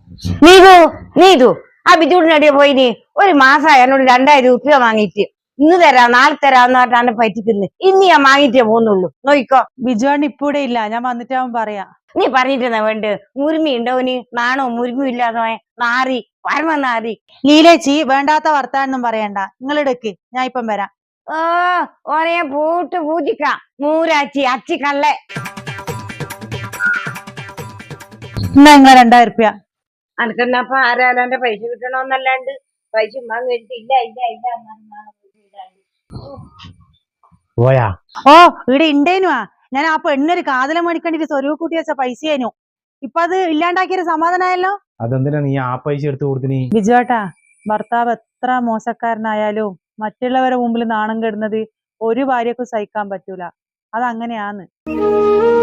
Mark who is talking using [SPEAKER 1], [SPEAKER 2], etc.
[SPEAKER 1] നീതു നീതു ആ ബിജുവിനടിയെ പോയിനി ഒരു മാസമായി എന്നോട് 2000 രൂപ വാങ്ങിയിട്ട് ഇന്ന് തരാം നാളെ തരാന്ന് പറഞ്ഞാണ് പറ്റിക്കുന്നത്. ഇന്ന് ഞാൻ വാങ്ങിയിട്ടേ പോകുന്നുള്ളൂ. നോയിക്കോ.
[SPEAKER 2] ബിജുവാണ് ഇപ്പൊ ഇവിടെ ഇല്ല, ഞാൻ വന്നിട്ടാവും പറയാ.
[SPEAKER 1] നീ പറഞ്ഞിട്ടെന്നാ വേണ്ട? മുരുമി ഉണ്ടോന് നാണോ മുരുമി ഇല്ലാതെ നാറി പരമ നാറി.
[SPEAKER 2] ലീലേച്ചി വേണ്ടാത്ത വർത്താനൊന്നും പറയണ്ട, നിങ്ങൾ എടുക്ക്, ഞാൻ ഇപ്പം വരാം.
[SPEAKER 1] ഒരേ പൂട്ട് പൂജിക്കാം മൂരാച്ചി അച്ചി കള്ളെ.
[SPEAKER 2] എന്നാ നിങ്ങൾ 2000 രൂപ.
[SPEAKER 1] അനക്കെന്നപ്പ ആരാലാന്റെ പൈസ കിട്ടണോന്നല്ലാണ്ട് പൈസ ഇല്ല ഇല്ല ഇല്ല
[SPEAKER 3] പോയാ?
[SPEAKER 2] ഓ ഇവിടെ ഉണ്ടേനുവാ. ഞാൻ ആ പെണ്ണൊരു കാതലം മേടിക്കണ്ടിട്ട് സ്വരൂപ കൂട്ടി വെച്ച പൈസയേനു. ഇപ്പൊ അത് ഇല്ലാണ്ടാക്കിയൊരു സമാധാനമായല്ലോ.
[SPEAKER 3] അതെന്തിനാ നീ ആ പൈസ എടുത്ത് കൊടുത്തിനി?
[SPEAKER 2] ബിജുവേട്ടാ, ഭർത്താവ് എത്ര മോശക്കാരനായാലും മറ്റുള്ളവരെ മുമ്പിൽ നാണം കെടുന്നത് ഒരു ഭാര്യക്കും സഹിക്കാൻ പറ്റൂല. അതങ്ങനെയാന്ന്.